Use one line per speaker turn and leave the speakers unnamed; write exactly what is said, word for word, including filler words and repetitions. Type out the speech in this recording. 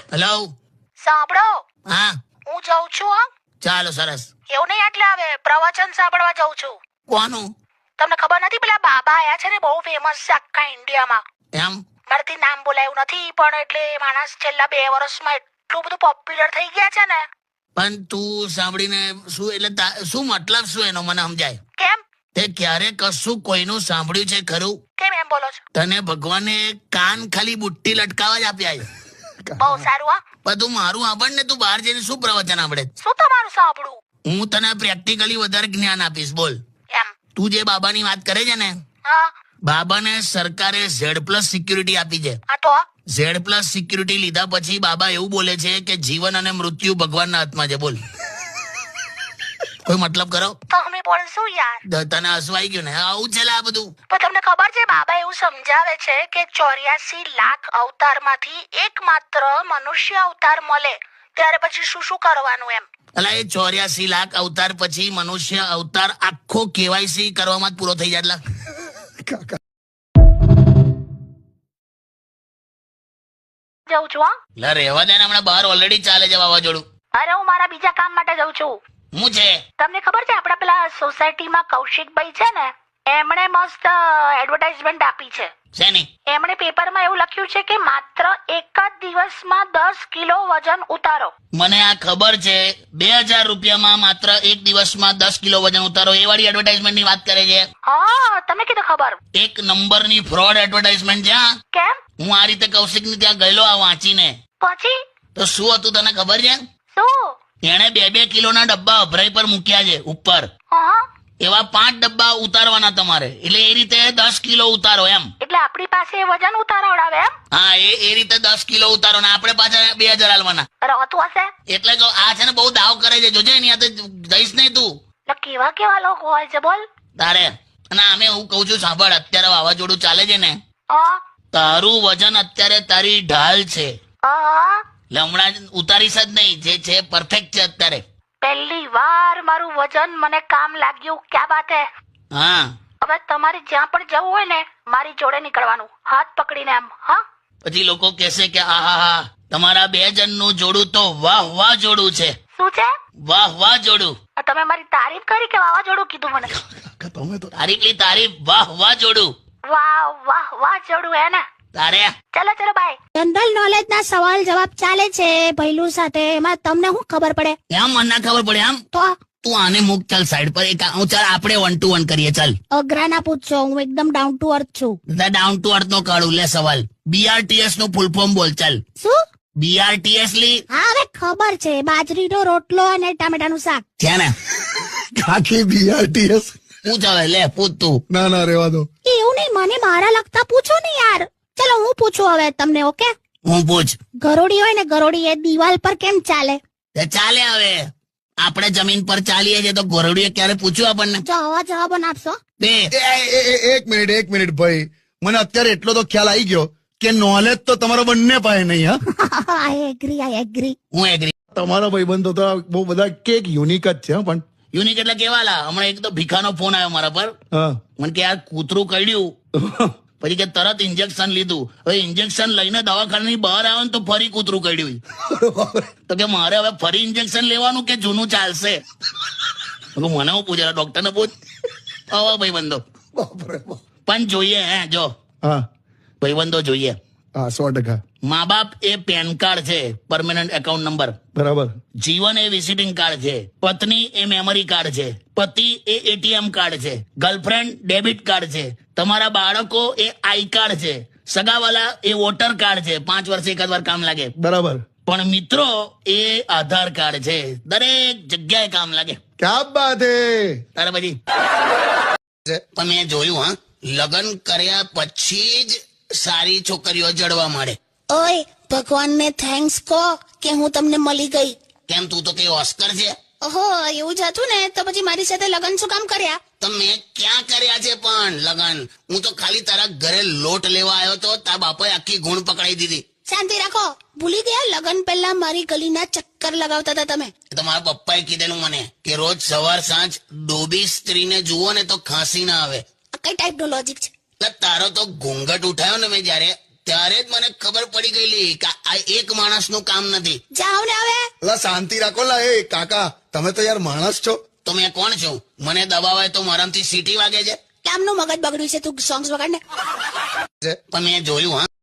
Hello,
સાંભળો,
હા
હું જાઉં છું. હા,
ચાલો સરસ.
એવું નહીં, એટલે હવે પ્રવચન સાંભળવા જાઉં છું.
કોનું?
તમને ખબર નથી, પેલા બાબા આયા છે ને, બહુ ફેમસ છે આખા ઇન્ડિયામાં.
એમ?
મારાથી નામ બોલાયું નથી, પણ એટલે માણસ છેલ્લા બે વર્ષમાં એટલું બધું પોપ્યુલર થઈ ગયા છે ને.
પણ તું સાંભળીને શું એટલે તા- શું મતલબ શું એનો મને સમજાય?
કેમ
તે ક્યારે કશું કોઈનું સાંભળ્યું છે ખરું?
કેમ એમ બોલો છો?
તને ભગવાને કાન ખાલી બુટ્ટી લટકાવા જ આપ્યા છે.
બહુ સારું. હા,
બધું મારું સાંભળ ને, તું બહાર જઈને શું પ્રવચન આપડે?
શું તમારું સાંભળું?
હું તને પ્રેક્ટિકલી વધારે જ્ઞાન આપીશ. બોલ,
એમ?
તું જે બાબાની વાત કરે છે ને,
હા.
બાબાને સરકારે ઝેડ પ્લસ સિક્યુરિટી આપી છે.
હા તો
ઝેડ પ્લસ સિક્યુરિટી લીધા પછી બાબા એવું બોલે છે કે જીવન અને મૃત્યુ ભગવાનના હાથમાં છે. બોલ, કોઈ મતલબ કરો?
તમે બોલશું યાર.
દ- તને હસવાઈ ગયું ને? આવું છે લે આ બધું.
પણ તમને ખબર છે, બાબા એવું સમજાવે છે કે ચોર્યાસી લાખ અવતારમાંથી એકમાત્ર મનુષ્ય અવતાર મળે ત્યારે પછી શું શું કરવાનું એમ.
એટલે એ ચોર્યાસી લાખ અવતાર પછી મનુષ્ય અવતાર આખો કેવાયસી કરવામાં જ પૂરો થઈ જાય. એટલે
જઉં છું. હા,
એટલે રહેવા દે ને, હમણાં બહાર ઓલરેડી ચાલે છે વાવાઝોડું.
અરે હું મારા બીજા કામ માટે જઉં છું.
હું છે?
તમને ખબર છે, આપડા પેલા સોસાયટીમાં કૌશિકભાઈ છે ને, એમણે મસ્ત એડવર્ટાઇઝમેન્ટ આપી છે.
શેની?
એમણે પેપરમાં એવું લખ્યું છે કે માત્ર એક જ દિવસમાં દસ કિલો વજન ઉતારો.
મને આ ખબર છે. બે હજાર રૂપિયામાં માત્ર એક દિવસમાં દસ કિલો વજન ઉતારો, એ વાળી એડવર્ટાઇઝમેન્ટ ની વાત કરે છે.
હા, તમે કીધું ખબર.
એક નંબરની ફ્રોડ એડવર્ટાઇઝમેન્ટ છે. હા,
કેમ?
હું આ રીતે કૌશિક ની ત્યાં ગયેલો આ વાંચીને.
પછી
તો શું હતું તને ખબર છે?
શું?
એણે બે બે કિલોના ડબ્બા અભરાઈ પર મૂક્યા છે ઉપર.
હા,
એવા પાંચ ડબ્બા ઉતારવાના તમારે, એટલે એ રીતે દસ કિલો ઉતારો એમ.
એટલે આપણી પાસે વજન ઉતારવડાવે એમ.
હા, એ એ રીતે દસ કિલો ઉતારો ને આપણે પાછા બે હજાર હાલવાના.
રહેતું હશે.
એટલે કહું, આ છે ને બહુ દાવ કરે છે, જોજે એની હાથે જઈશ નહીં તું.
એટલે કેવા કેવા લોકો હોય છે બોલ.
તારે અને આમે હું કઉ છું, સાંભળ, અત્યારે વાવાઝોડું ચાલે છે ને,
હા,
તારું વજન અત્યારે તારી ઢાલ છે.
હા.
એટલે હમણાં જ ઉતારીશ જ નહીં, જે છે પરફેક્ટ છે અત્યારે.
પહેલી વાર મારું વજન મને કામ લાગ્યું. ક્યાં વાત હે.
હા,
હવે તમારે જ્યાં પણ જવું હોય ને, મારી જોડે નીકળવાનું, હાથ પકડીને એમ. હા,
પછી લોકો કહેશે કે આ હા હા તમારા બે જણનું જોડું તો વાહ વાહ જોડું છે.
શું છે?
વાહ વાહ જોડું.
તમે મારી તારીફ કરી કે વાવાઝોડું કીધું મને?
તમે તો તારીફ લી તારીફ. વાહ વાહ જોડું.
વાહ વાહ વાહ જોડું હે ને.
તારે
ચલો ચલો બાય.
જનરલ નોલેજ ના સવાલ જવાબ ચાલે છે ભૈલું સાથે, એમાં તમને શું ખબર પડે?
એમ મને ના ખબર પડે. આમ
તો
તું આને મૂક, ચાલ સાઈડ પર. એક હું ચાલ આપણે વન ટુ વન કરીએ. ચાલ,
અઘરા ના પૂછશો, હું એકદમ ડાઉન ટુ અર્થ છું.
ડાઉન ટુ અર્થ નો કાઢું લે સવાલ. બીઆરટીએસ નું ફૂલ ફોર્મ બોલ. ચાલ,
શું?
બીઆરટીએસ લી.
હા, હવે ખબર છે, બાજરીનો રોટલો અને ટામેટાનું શાક.
છે ને?
કાકી બીઆરટીએસ.
પૂછ હવે, લે પૂછ તું.
ના ના રેવા દો.
એવું નહીં, મને મારા લગતા પૂછો ને યાર. ચલો હું પૂછું હવે તમને. ઓકે,
હું પૂછ.
ગરોડી હોય ને, ગરોડી એ દિવાલ પર કેમ ચાલે?
તે ચાલે. હવે આપણે જમીન પર ચાલીએ છીએ તો ગોરડીએ ક્યારે પૂછ્યું આપણને?
જો આવા જવાબો ના આપશો.
બે
એ, એ, એ, એક મિનિટ એક મિનિટ ભાઈ, મને અત્યારે એટલો તો ખ્યાલ આવી ગયો કે નોલેજ તો તમારો બંને પાસે નહીં. હા,
આઈ એગ્રી આઈ એગ્રી.
હું એગ્રી.
તમારા ભાઈબંધો તો બહુ બધા કેક યુનિક જ છે. હા, પણ
યુનિક એટલે કેવાલા? હમણાં એક તો ભીખાનો ફોન આવ્યો મારા પર.
હા
મને કે આ કૂતરું કરડ્યું, પછી કે તરત ઇન્જેક્શન લીધું. હવે ઇન્જેક્શન લઈને દવાખાનાની બહાર આવે ને તો ફરી કૂતરું કરડ્યું. તો કે મારે હવે ફરી ઇન્જેક્શન લેવાનું કે જૂનું ચાલશે? મેં કીધું, મને હું પૂછે, ડોક્ટર ને પૂછ. હવે ભાઈબંધો
બાપરે બાપ.
પણ જોઈએ. હે જો
હા
ભાઈબંધો જોઈએ.
હા સો ટકા
મા બાપ એ પેન કાર્ડ છે, પરમેનન્ટ એકાઉન્ટ નંબર.
બરાબર.
જીવન એ વિઝિટિંગ કાર્ડ છે. પત્ની એ મેમરી કાર્ડ છે. પતિ એ એટીએમ કાર્ડ છે. ગર્લફ્રેન્ડ ડેબિટ કાર્ડ છે. તમારા બાળકો એ આઈ કાર્ડ છે. સગાવાલા એ વોટર કાર્ડ છે, પાંચ વર્ષે એકાદ વાર કામ લાગે.
બરાબર.
પણ મિત્રો એ આધાર કાર્ડ છે, દરેક જગ્યાએ કામ લાગે.
ક્યા બાત હે.
તારે પછી પણ મેં જોયું, હા, લગ્ન કર્યા પછી જ સારી છોકરીઓ જડવા મળે.
ઓય, ભગવાનને થેન્ક્સ કહો કે હું તમને મળી ગઈ.
કેમ, તું તો કઈ ઓસ્કર છે?
ઓહો, એવું જ હતું ને, તો પછી મારી સાથે લગ્ન શું કામ કર્યા?
તો મેં ક્યાં કર્યા છે પણ લગન? હું તો ખાલી તારા ઘરે લોટ લેવા આવ્યો તો, તારા બાપાએ આખી ગુણ પકડાઈ દીધી.
શાંતિ રાખો. ભૂલી ગયા, લગ્ન પહેલા મારી ગલીના ચક્કર લગાવતા હતા તમે.
એ તો મારા પપ્પાએ કીધેલું મને કે રોજ સવાર સાંજ ડોબી સ્ત્રીને જુઓ ને તો ખાંસી ના આવે.
આ કઈ ટાઈપનો લોજિક છે?
એટલે તારો તો ઘૂંઘટ ઉઠાયો ને મેં જયારે, ત્યારે જ મને ખબર પડી ગયેલી કે આ એક માણસનું કામ નથી.
જાઓ ને હવે.
લા શાંતિ રાખો લા એ કાકા, તમે તો યાર માણસ છો.
તો મેં કોણ છું? મને દબાવાય તો મારાથી સીટી વાગે છે.
કામનું મગજ બગડ્યું છે, તું સોંગ્સ વગાડ ને.
પણ મેં જોયું હા